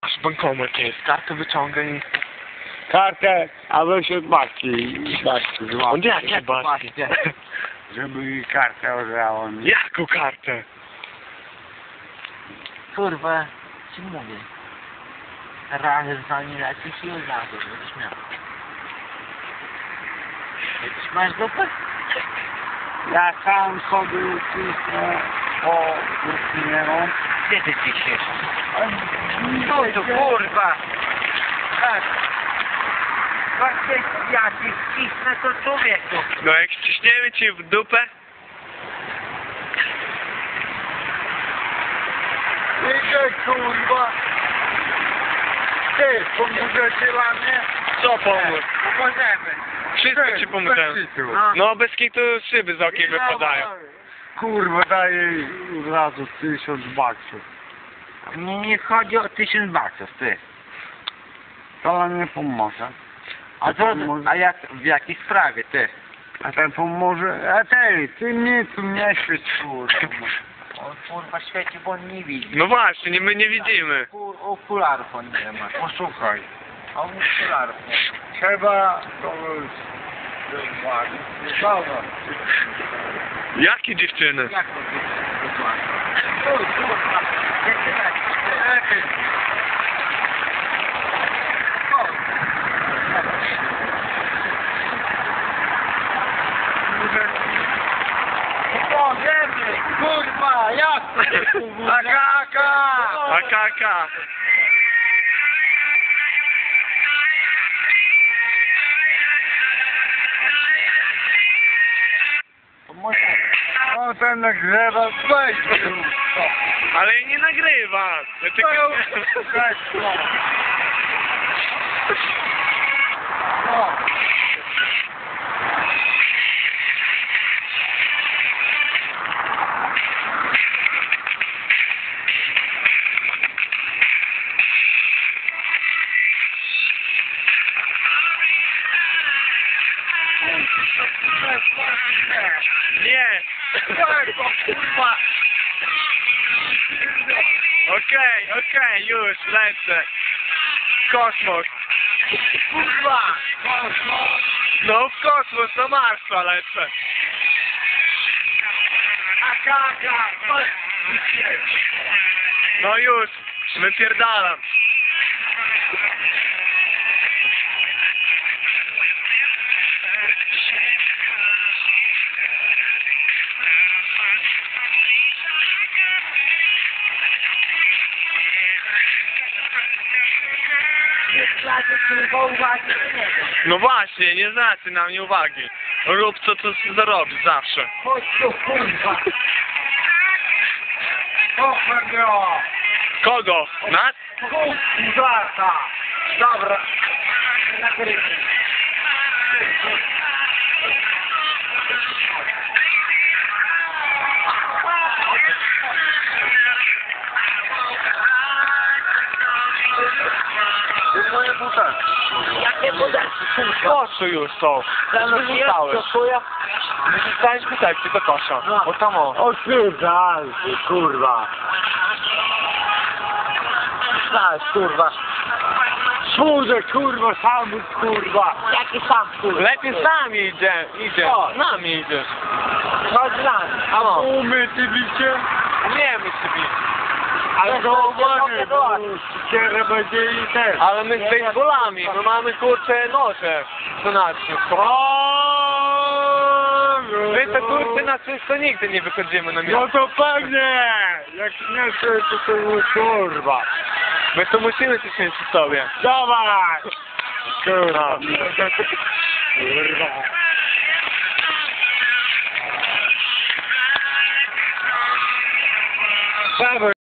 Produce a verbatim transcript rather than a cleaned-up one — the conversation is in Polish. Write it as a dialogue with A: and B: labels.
A: Masz bankomat jest, kartę wyciągaj.
B: Kartę, a weź od babci. Babci, z
A: On
B: łapki.
A: jakie baski?
B: Żeby mi kartę odebrała mi.
A: Jaką kartę?
C: Kurwa, ci mówię. Razem z nami lecisz i od razu będziesz miał. Jakiś masz dupę?
B: Ja sam sobie cisnę po ustnie.
C: Gdzie ty ciśniesz? No to kurwa! Tak. Właśnie ja ci cisnę to człowieku.
A: No jak ściśniemy ci w dupę?
B: Idzie kurwa. Ty, pomożecie dla mnie?
A: Co pomóc?
B: Pomożemy.
A: Wszystko ci pomogę. No bez kitu szyby z okiem wypadają.
B: Kurwa, daję od razu tysiąc baksów.
C: Mnie nie chodzi o tysiąc baksów, ty.
B: To nam nie pomoże.
C: A co, a jak, w jakiej sprawie, ty?
B: A ten pomoże. A ty, ty mnie tu nie świeć, kurwa.
C: On kurwa świeci, bo on nie widzi.
A: No właśnie, nie, my nie widzimy.
C: Kur, okularów on nie ma.
B: Posłuchaj.
C: A on okularów nie ma.
B: Trzeba to już. Dobra.
A: Jakie dziewczyny?
C: Jak to jest dokładnie? Oj, kurwa, jak ty tak?
B: Lepiej.
C: Możemy, kurwa, jak to?
B: Akaka!
A: A kaka.
B: O, ten nagrywa, weź.
A: Ale nie nagrywa. Ja tylko...
B: Weź, no. O.
A: Nie.
B: Kurwa.
A: Okej, okej, już, lecę. Kosmos.
B: Kurwa.
A: No w kosmos, do Marsa lecę.
B: Akaka.
A: No już, wypierdalam. No właśnie, nie znacie na mnie uwagi. Rób co to zarobisz zawsze.
B: Chodź tu, kurwa. Kofę miała.
A: Kogo? Nas?
B: Kurwa. Dobra. Moje butelki.
C: Jakie budelki, kurwa?
A: Koszu już są. Wyrzucałeś. Wyrzucałeś butelki do kosza. O tam o.
B: O kurwa, kurwa.
C: Znasz, kurwa.
B: Służę, kurwa, sam kurwa.
C: Jaki sam, kurwa?
A: Lepiej z nami idzie, idzie.
C: O.
A: Z nami idziesz.
C: Chodź z nami.
A: A no.
B: Umyty bicie.
A: Umiemy sobie.
B: Ale to uwagę, bo ścierę będzie i też.
A: Ale my z baseballami, my mamy kurcze noże. Co nasze. My te kurcze na czysto nigdy nie wychodzimy na
B: No
A: miasto.
B: to pewnie. Jak nie chcę, to to już kurwa.
A: My to musimy coś mieć przy sobie.
B: Dawaj. Kurwa. Kurwa.